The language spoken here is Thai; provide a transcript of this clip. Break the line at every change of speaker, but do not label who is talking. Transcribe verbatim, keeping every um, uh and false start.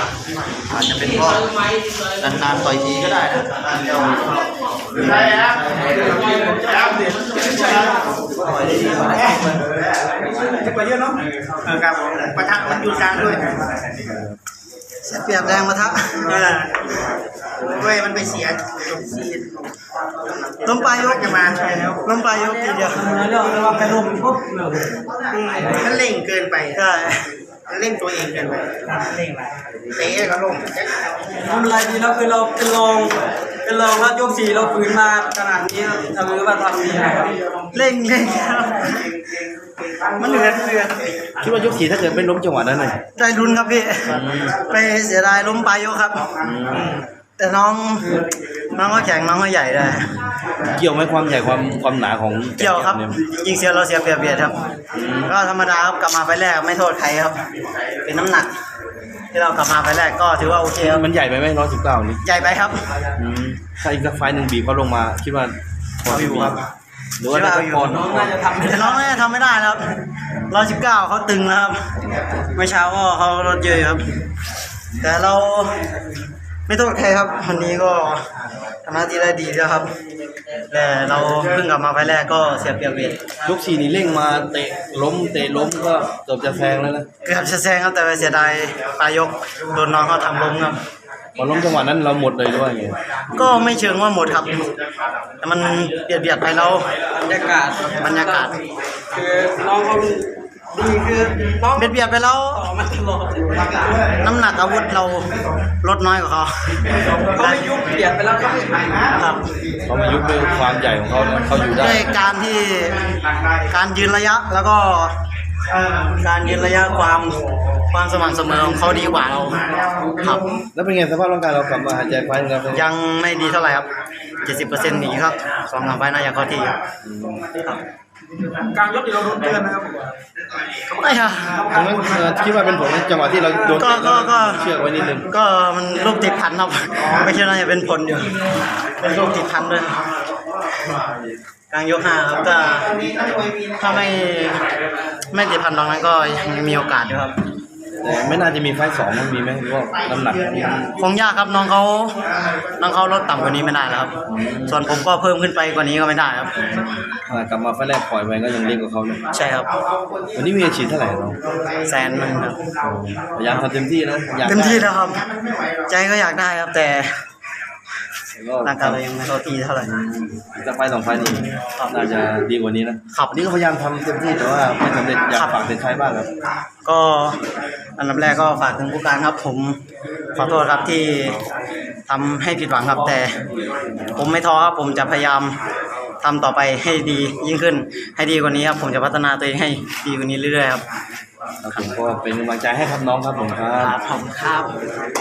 อาจจะเป็นเพราะนานๆต่อยทีก็ได้นะใช่ครับจะไปเยอะเนาะครับประทักมันอยู่กลางด้วยเสียเปรียบแรงประทักเว้ยมันไปเสียล้มปลายยกจะมาใช่แล้วล้มปลายยกทีเดียวแล้วแล้วว่าไปล้มปุ๊บมันเร่งเกินไปใช่เร่งตัวเองเกินไปเร่งไปเตะก็ล้ม
ทำอะไรดีแล้วคือเราเป็นรองเป็นรองแล้วยกสี่เราฝืนมาขนาดนี้ทำหรือว่าทำดีนะครับ
เร่งเร่งมันเหลือเหลือคิดว่ายกสี่ถ้าเกิดไม่ล้มจังหวะนั้นเลยได้รุนครับพี่ไปเสียดายล้มปลายยกครับแต่น้องน้องก็แข็งน้องก็ใหญ่ได้
เกี่ยวไหมความใหญ่ความความหนาของ
เกี่ยวครับยิงเสียเราเสียเปรียบเบียดครับก็ธรรมดาครับกลับมาไฟแรกไม่โทษใครครับเป็นน้ำหนักที่เรากลับมาไฟแรกก็ถือว่าโอเคครับ
มันใหญ่ไปไหมร้อยสิบเก้านี่
ใหญ่ไปครับ
ถ้าอีกสักไฟหนึ่งบีบเขาลงมาคิดว่า
พออยู่ครับ
หรือว่าน้อง
น่าจะทำ
แต่น้องน่าจะทำไม่ได้ครับร้อยสิบเก้าเขาตึงแล้วครับเมื่อเช้าก็เขาลดเยอะครับแต่เราไม่โทษใครครับวันนี้ก็ทำหน้าที่ได้ดีแล้วครับแต่เราเพิ่งกลับมาไฟแรกก็เสียเปรียบเวท
ยกสี่นี่เร่งมาเตะล้มเตะล้มก็เกือบจะแซงแล้วนะ
เกือบจะแซงครับแต่ไปเสียดายปลายยกโดนน้องเขาทำล้มครับ
พอล้มจังหวะนั้นเราหมดเลยด้วยไง
ก็ไม่เชิงว่าหมดครับแต่มันเบียดเบียดไปเรา
บรรยากาศ
บรรยากาศ
คือน้องเขาดีคือน้อง
เบียดเบียดไปแล้วน้ำหนักอาวุธเราลดน้อยกว่าเขา
เขาไม่ยุบเบียดไปแล้วเขา
ครับ
เขาไม่ยุบด้วยความใหญ่ของเขาเขาอยู่ได้
ด้วยการที่การยืนระยะแล้วก็การยืนระยะความความสม่ำเสมอของเขาดีกว่าเราครับ
แล้วเป็นไงสภาพร่างกายเรากลับมาหายใจไฟแล้ว
ยังไม่ดีเท่าไหร่ครับ เจ็ดสิบเปอร์เซ็นต์ อีกครับสองสามไฟน่าจะเข้าที่ครับ
กลางยกที่เราโดนเตือนนะครับ
ไม่ค่ะ
ตรงนั้นคิดว่าเป็นผลจังหวะที่เราโดน
ก็ก็
เชือกไว้นิดนึง
ก็มันลูกติดพันครับไม่ใช่น่าจะเป็นผลอยู่เป็นลูกติดพันด้วยกลางยกห้าครับก็ถ้าไม่ไม่ติดพันตรงนั้นก็ยังมีโอกาสอยู่ครับ
แต่ไม่น่าจะมีไฟสองมันมีไหมหรือว่าน้ำหนัก
คงยากครับน้องเขาน้องเขาลดต่ำกว่านี้ไม่ได้แล้วครับส่วนผมก็เพิ่มขึ้นไปกว่านี้ก็ไม่ได้ครับ
กลับมาไฟแรกปล่อยไปก็ยังเล็กกว่าเขาเลย
ใช่ครับ
วันนี้มีอาชีพเท่าไหร่เรา
แสนนึงครับ
พยายามทำเต็มที่นะ
เต็มที่แล้วครับใจก็อยากได้ครับแต่ร่างกายเรายังไม่เข้าที่เท่าไหร่
จะไฟสองไฟนี้น่าจะดีกว่านี้นะครับนี่ก็พยายามทำเต็มที่แต่ว่าไม่สำเร็จอยากฝากเป็นใครบ้างครับ
ก็อันดับแรกก็ฝากถึงผู้การครับผมขอโทษครับที่ทำให้ผิดหวังครับแต่ผมไม่ท้อครับผมจะพยายามทำต่อไปให้ดียิ่งขึ้นให้ดีกว่านี้ครับผมจะพัฒนาตัวเองให้ดีกว่านี้เรื่อยๆครับ
ผมก็เป็นกำลังใจให้ครับน้องครับผมครับ
ผมครับ